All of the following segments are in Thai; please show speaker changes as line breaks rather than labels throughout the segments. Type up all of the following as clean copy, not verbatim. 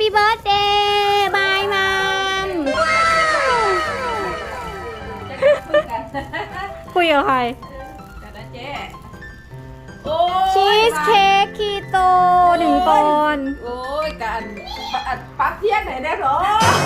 เบิร์ธเดย์บายมัมคุยกับใครชีสเค้กคีโต1 ปอนด์
โอ้ยกันปักเทียนไหนได้หรอ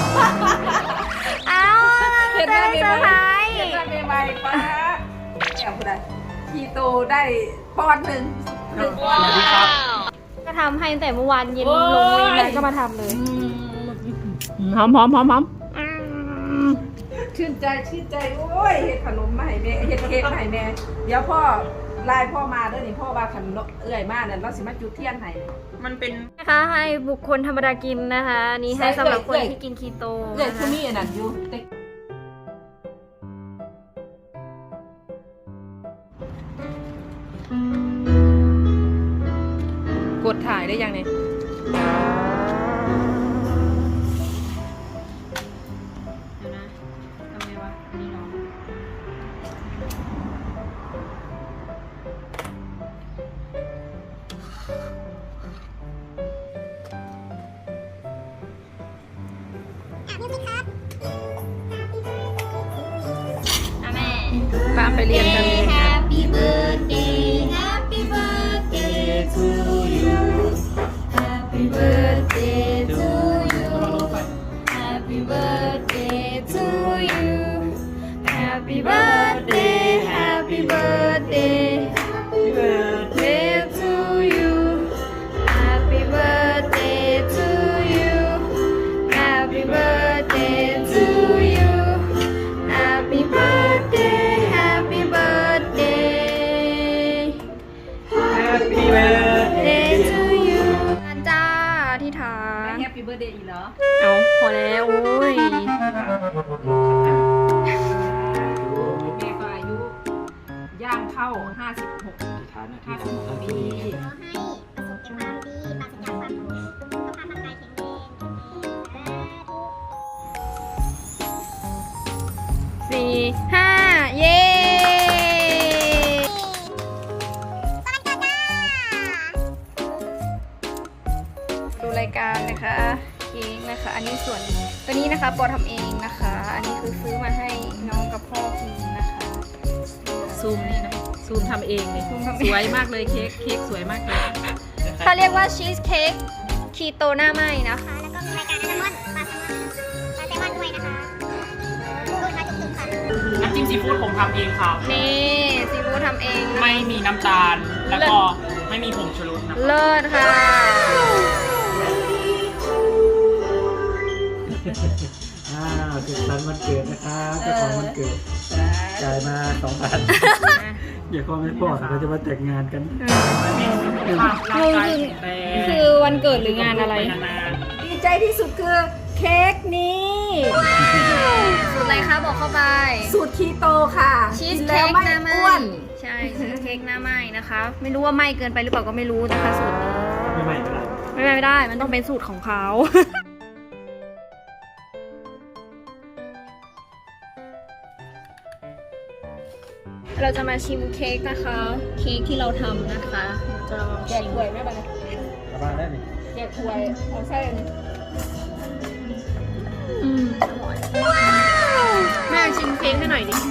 เอาจะได้เซอร์ไพรส์
เห็นได้ใหม่ๆป้าแอบได้คีโตได้ปอนด์หนึ่งปอนด์
ก็ทำให้ตั้งแต่เมื่อวานเย็นลงเวรแล้วก็มาทำเลยหอม
ชื่นใจโอ้ยเห็ดขนมมาให้แม่เห็ดเค้กมาให้แม่เดี๋ยวพ่อไล่พ่อมาด้วยนี่พ่อว่าขนมเอื่อยมากเนี่ยเราสิมาจุดเทียนให้มันเป็น
นะคะให้บุคคลธรรมดากินนะคะนี่ให้สำหรับคนที่กินคีโต
เอื่อยคือมีอันนั้นอยู่กดถ่ายได้ยังเนี่ยป้าไปเรียนกัน
Happy birthday Happy birthday to you Happy birthday to you Happy birthday to you Happy birthday Happy birthday Happy birthday to you Happy birthday to you Happy birthday to you Happy birthday Happy birthday
Happy birthday
to you จ้าที่ฐาน
Happy birthday อีกเหรอ
เอาพอแล้วโอ้ย
แม่ก็อายุย่างเข้า56 ปี
ขอให้ประสบแต่ความดีปราศจากความทุกข์สุขภาพร่างกายแข็งแรง
4 5 เย้ดูรายการนะคะเค้กนะคะอันนี้ส่วนตัวนี้นะคะปอทำเองนะคะอันนี้คือซื้อมาให้น้องกับพ่อกินนะคะ
ซูมนี่นะซูมทำเองเลยสวยมากเลยเค้กสวยมากเลย
เขาเรียกว่าชีสเค้กคีโตหน้าไหม้นะคะ
แล้วก็มีรายการอัลมอนด์ปลาแซลมอนด้วยนะคะดูค่ะจุกๆค่ะ
น้ำจิ้มซีฟู้ดผมทำเองครับ
นี่ซีฟู้ดทำเองนะ
ไม่มีน้ำตาล แล้วก็ไม่มีผงชูรสนะ
เลิศค่ะ
สุขสันต์วันเกิดนะครับเจ้าของวันเกิดจ่ายมา2,000เดี๋ยวเขาไม่พอเขาจะมาแต่งงานกัน
คือวันเกิดหรืองานอะไร
ดีใจที่สุดคือเค้กนี้
สูตรอะไรคะบอกเข้าไป
สูตรคีโตค่ะ
ชีสเค้กหน้าไหม้ใช่ชีสเค้กหน้าไหม้นะคะไม่รู้ว่าไหม้เกินไปหรือเปล่าก็ไม่รู้นะคะสูตรนี้ไม่ได้มันต้องเป็นสูตรของเขาเราจะมาชิมเค้กนะคะเค้กที่เราทำนะคะจะลอง
แกะถ้วยไหมบ้างแกะถ้วยเอาไส้
แม่ชิมเค้กให้หน่อยดิ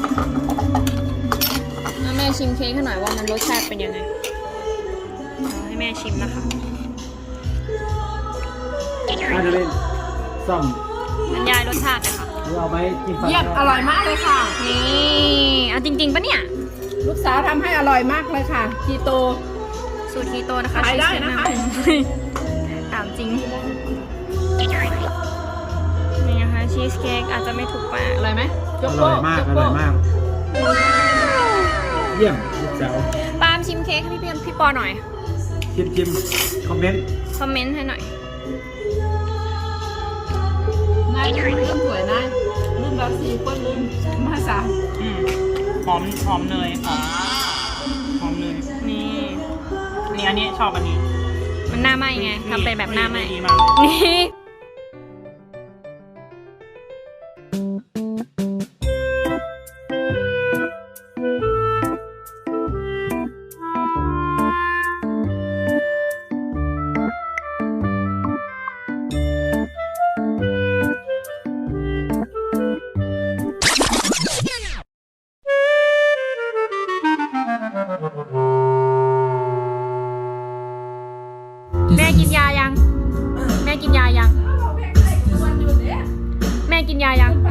แม่ชิมเค้กให้หน่อยว่ามันรสชาติเป็นยังไงให้แม่ชิมนะคะ
จะเล่นซ่อม
บรรยายรสชาติเลยค่ะ
เอาไหมกินฟัน
เยี่ยมอร่อยมากเลยค่ะ
นี่เอาจริงๆปะเนี่ย
ลูกสาวทำให้อร่อยมากเลยค่ะคีโต
สูตรคีโตนะคะ
ขายได้นะคะ
ถามจริงนี่นะคะชีสเค้กอาจจะไม่ถูกปาก
อร่อยไหม
อร่อยมากเยี่ยมลูกสาว
ปาล์มชิมเค้กให้พี่ปอหน่อย
ชิมคอมเมน
ต์ให้หน่อย
นายลืมสวยนายลืมแบบ4 คนลืมมา3
หอมเนยหอมเนยนี่อันนี้ชอบอันนี้
มันหน้าไหม้ไงทำเป็นแบบหน้าไหม้นี่กินยายัง